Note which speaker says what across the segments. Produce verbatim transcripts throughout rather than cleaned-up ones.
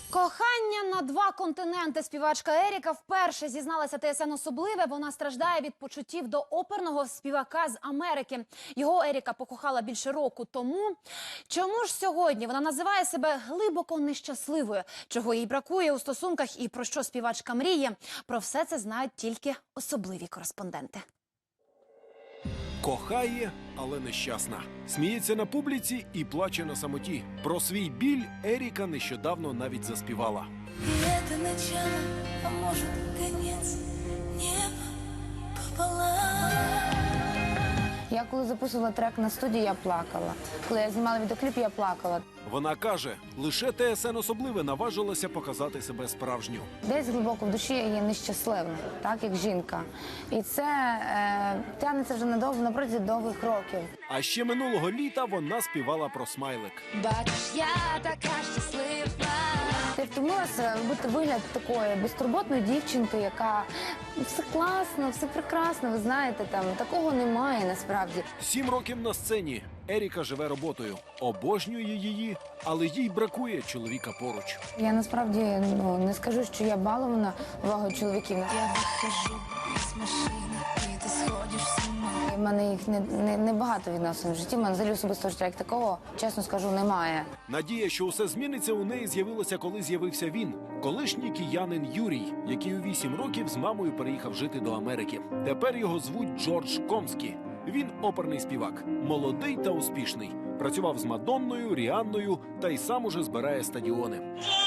Speaker 1: Кохання на два континенти. Співачка Еріка вперше зізналася ТСН особливе. Вона страждає від почуттів до оперного співака з Америки. Його Еріка покохала більше року тому. Чому ж сьогодні вона називає себе глибоко нещасливою? Чого їй бракує у стосунках і про що співачка мріє? Про все це знають тільки особливі кореспонденти.
Speaker 2: Кохає, але нещасна. Сміється на публіці і плаче на самоті. Про свій біль Еріка нещодавно навіть заспівала.
Speaker 3: И это начало, а может конец, небо пополам.
Speaker 4: Я коли записувала трек на студії, я плакала. Коли я знімала відеокліп, я плакала.
Speaker 2: Вона каже, лише ТСН особливе наважилася показати себе справжню.
Speaker 4: Десь глибоко в душі я є нещаслива, так, як жінка. І це е, тягнеться вже надовго, на протязі довгих років.
Speaker 2: А ще минулого літа вона співала про смайлик.
Speaker 3: Бачиш, я така щаслива.
Speaker 4: Я втомилася робити вигляд такої безтурботної дівчинки, яка все класно, все прекрасно, ви знаєте, там такого немає насправді.
Speaker 2: Сім років на сцені. Еріка живе роботою. Обожнює її, але їй бракує чоловіка поруч.
Speaker 4: Я насправді ну, не скажу, що я балована увагою чоловіків.
Speaker 3: Я выхожу из машины, и ты сходишь с ума.
Speaker 4: У мене їх не, не, не багато відносин в житті, в мене взагалі особистого життя як такого, чесно скажу, немає.
Speaker 2: Надія, що усе зміниться, у неї з'явилася, коли з'явився він. Колишній киянин Юрій, який у вісім років з мамою переїхав жити до Америки. Тепер його звуть Джордж Комскі. Він оперний співак, молодий та успішний. Працював з Мадонною, Ріанною та й сам уже збирає стадіони.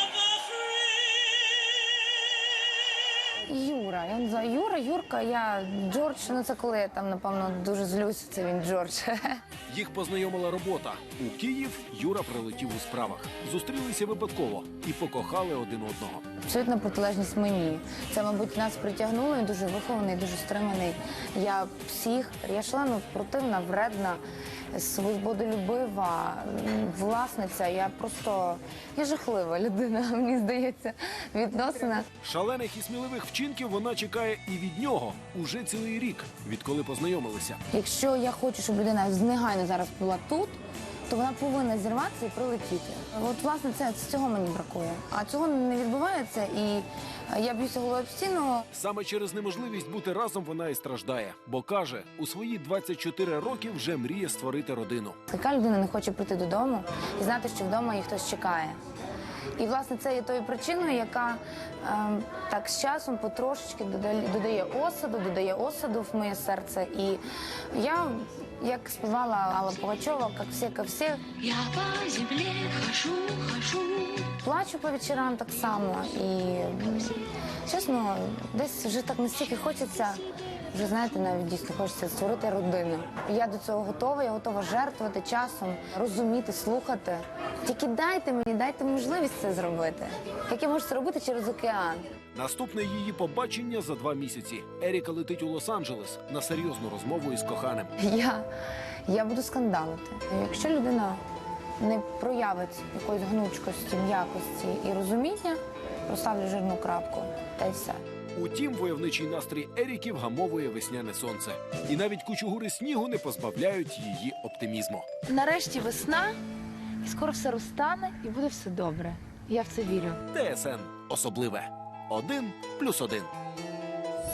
Speaker 4: Юра, я називаю Юра, Юрка, я Джордж, ну це коли я там, напевно, дуже злюся, це він Джордж.
Speaker 2: Їх познайомила робота. У Київ Юра прилетів у справах. Зустрілися випадково і покохали один одного.
Speaker 4: Абсолютна протилежність мені. Це, мабуть, нас притягнуло, він дуже вихований, дуже стриманий. Я всіх, я шлена противна, вредна, свободолюбива, власниця. Я просто, я жахлива людина, мені здається, відносина.
Speaker 2: Шалених і сміливих вчинків вона чекає і від нього уже цілий рік, відколи познайомилися.
Speaker 4: Якщо я хочу, щоб людина негайно зараз була тут, то вона повинна зірватися і прилетіти. От, власне, це, цього мені бракує. А цього не відбувається, і я б'юся головою об стіну.
Speaker 2: Саме через неможливість бути разом вона і страждає. Бо каже, у свої двадцять чотири роки вже мріє створити родину.
Speaker 4: Яка людина не хоче прийти додому і знати, що вдома її хтось чекає. І, власне, це є тою причиною, яка е, так з часом потрошечки додає, додає осаду, додає осаду в моє серце. І я, як співала Алла Пугачова, як всі, як всі,
Speaker 3: Я по земле хожу, хожу.
Speaker 4: плачу по вечорам так само. І, чесно, десь вже так настільки хочеться, вже, знаєте, навіть дійсно хочеться створити родину. Я до цього готова, я готова жертвувати часом, розуміти, слухати. Тільки дайте мені, дайте можливість це зробити. Як я можу це робити через океан?
Speaker 2: Наступне її побачення за два місяці. Еріка летить у Лос-Анджелес на серйозну розмову із коханим.
Speaker 4: Я, я буду скандалити. Якщо людина не проявить якоїсь гнучкості, м'якості і розуміння, поставлю жирну крапку, та й все.
Speaker 2: Утім, войовничий настрій Еріки вгамовує весняне сонце. І навіть кучугури снігу не позбавляють її оптимізму.
Speaker 5: Нарешті весна, і скоро все розтане, і буде все добре. Я в це вірю.
Speaker 2: ТСН особливе. Один плюс один.